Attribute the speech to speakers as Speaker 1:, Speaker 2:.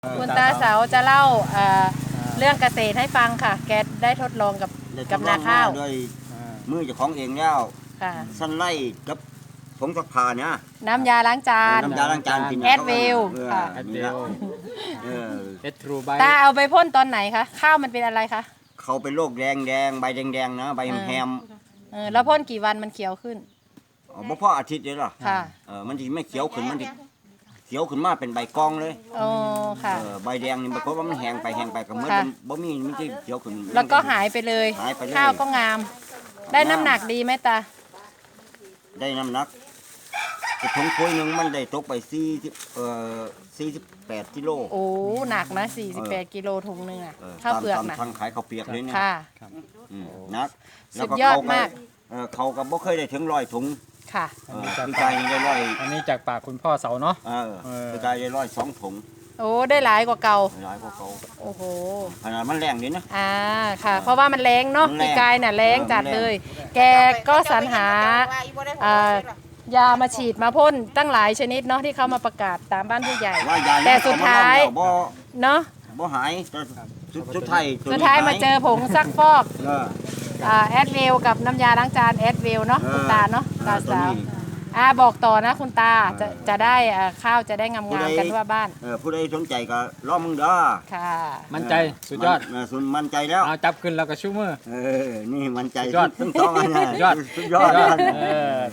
Speaker 1: คุณตาเสาจะเล่าเรื่องเกษตรให้ฟังค่ะแกได้ทดลองกับนาข้าว
Speaker 2: ด้วยมือเจ้าของเองแล้ว
Speaker 1: ค่ะ
Speaker 2: สั้นไล่กับผงซักผ้าเนี่ย
Speaker 1: น้ำยาล้างจาน
Speaker 2: น้ำยาล้างจานกิน
Speaker 1: แอดวิวค่ะ
Speaker 2: แอดวิว
Speaker 3: เอทรูใบ
Speaker 1: ตาเอาไปพ่นตอนไหนคะข้าวมันเป็นอะไรคะ
Speaker 2: เขาเป็นโรคแดงใบแดงนะใบแฮม
Speaker 1: แล้วพ่นกี่วันมันเขียวขึ้น
Speaker 2: บ่พออาทิตย์เลยหรอ
Speaker 1: ค่ะ
Speaker 2: มันจะไม่เขียวขึ้นมันจะเขียวขึ้นมาเป็นใบกองเลย
Speaker 1: โอ้ค่ะ
Speaker 2: ใบแดงนี่เพราะว่ามันแห้งไปก็เหมือนบ่มีมันจะเขียวขึ้น
Speaker 1: แล้วก็หายไปเลยข้าวก็งามได้น้ำหนักดีไหมตา
Speaker 2: ได้น้ำหนักกระทงคุยหนึ่งมันได้ตกไป48กิโล
Speaker 1: โอ้หนักนะ48กิโลถุงนึงอ่ะข้าวเปลือกนะ
Speaker 2: ทางขายข้าวเปียกเลยเนี่ย
Speaker 1: ค่ะ
Speaker 2: นัก
Speaker 1: สุดยอดมาก
Speaker 2: เขาก็บ่เคยได้ถึง100 ถุง
Speaker 1: ค่ะ
Speaker 2: พี่ชายได้100
Speaker 3: อันนี้จากปากคุณพ่อเสาเนาะ
Speaker 2: พี่ชายได้102 ถุง
Speaker 1: โอ้ได้หลายกว่าเก่า
Speaker 2: หลายกว่าเก่า
Speaker 1: โอ้โห
Speaker 2: ขนาดมันแรงนี่นะ
Speaker 1: ค่ะเพราะว่ามันแรงเนาะพี่กายน่ะแรงจัดเลยแกก็สรรหายามาฉีดมาพ่นตั้งหลายชนิดเนาะที่เขามาประกาศตามบ้านผู้ใหญ่แต่สุดท้ายเนาะ
Speaker 2: บ่หายสุดท้าย
Speaker 1: มาเจอผงซักฟอกแอดเวลกับน้ำยาล้างจานแอดเวลเนาะคุณตาเนาะตาสาวบอกต่อนะคุณตาจะได้ข้าวจะได้งามๆกันทั่วบ้าน
Speaker 2: ผู้ใดสนใจก็รอมึงเด้อ
Speaker 1: ค่ะ
Speaker 3: มั่นใจสุดยอด
Speaker 2: มั่นใจแล้ว
Speaker 3: เอาจับขึ้นแล้วก็ชูมือ
Speaker 2: นี่มั่นใจทั้งสองอัน
Speaker 3: ยอด
Speaker 2: สุดยอด